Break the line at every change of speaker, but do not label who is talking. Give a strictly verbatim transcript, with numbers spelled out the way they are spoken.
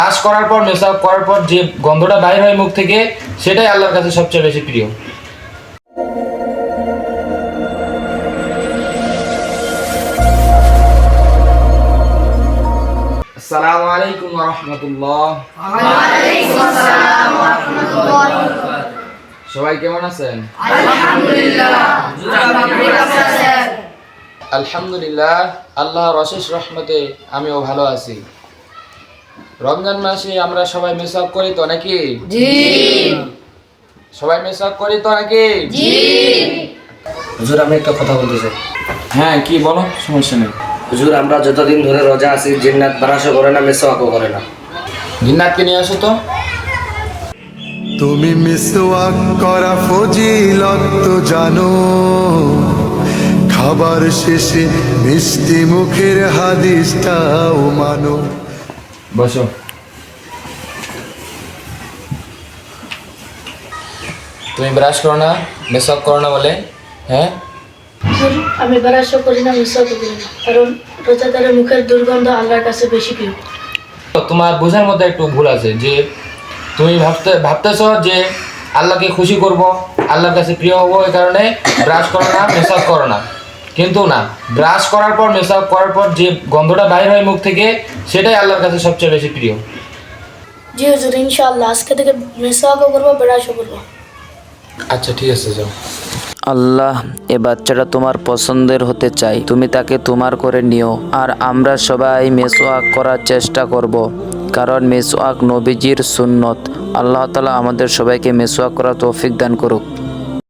Brush করার পর মেসওয়াক করার পর যে গন্ধটা বাইর হয় মুখ থেকে সেটাই আল্লাহর কাছে সবচেয়ে বেশি প্রিয়। আসসালামু আলাইকুম ওয়া রাহমাতুল্লাহ।
ওয়া আলাইকুম আসসালাম ওয়া রাহমাতুল্লাহ।
সবাই কেমন আছেন?
আলহামদুলিল্লাহ। হুজুর আপনি কেমন আছেন?
আলহামদুলিল্লাহ, আল্লাহর অশেষ রহমতে আমিও ভালো আছি। রমজান মাসে আমরা সবাই মেসওয়াক করি তো নাকি?
জি।
সবাই মেসওয়াক করি তো নাকি?
জি।
হুজুর আমি একটা কথা বলতে চাই।
হ্যাঁ, কি বলো, সমস্যা নেই।
হুজুর আমরা যতদিন ধরে রোজা আছি জিন্নাত ব্রাশও করে না, মেসওয়াকও করে না।
জিন্নাতকে নিয়ে আসো তো।
তুমি মিসওয়াক করা ফজিলত তো জানো, খাবার শেষে মিষ্টি মুখের হাদিসটাও মানো।
বসো। তুমি ব্রাশ করো না, মেসওয়াক করো না বলে? হ্যাঁ,
হুজুর, আমি ব্রাশও করি না, মিসওয়াকও করি না, কারণ রোজাদারের মুখের দুর্গন্ধ আল্লাহর কাছে বেশি প্রিয়।
তো তোমার বোঝার মধ্যে একটু ভুল আছে যে তুমি ভাবতে ভাবতেছো যে আল্লাহকে খুশি করব, আল্লাহর কাছে প্রিয় হবো, এই কারণে ব্রাশ করো না, মেসওয়াক করো না। কিন্তু না, ব্রাশ করার পর মেসওয়াক করার পর যে গন্ধটা বাইর হয় মুখ থেকে সেটাই আল্লাহর কাছে সবচেয়ে বেশি প্রিয়।
জি হুজুর, ইনশাআল্লাহ আজকে থেকে মিসওয়াকও করবো, ব্রাশও করবো।
আচ্ছা, ঠিক আছে, যাও।
আল্লাহ, এ বাচ্চাটা তোমার পছন্দের হতে চাই, তুমি তাকে তোমার করে নিও। আর আমরা সবাই মেসওয়াক করার চেষ্টা করব, কারণ মেসওয়াক নবীজির সুন্নত। আল্লাহ তাআলা আমাদের সবাইকে মেসওয়াক করার তৌফিক দান করুক।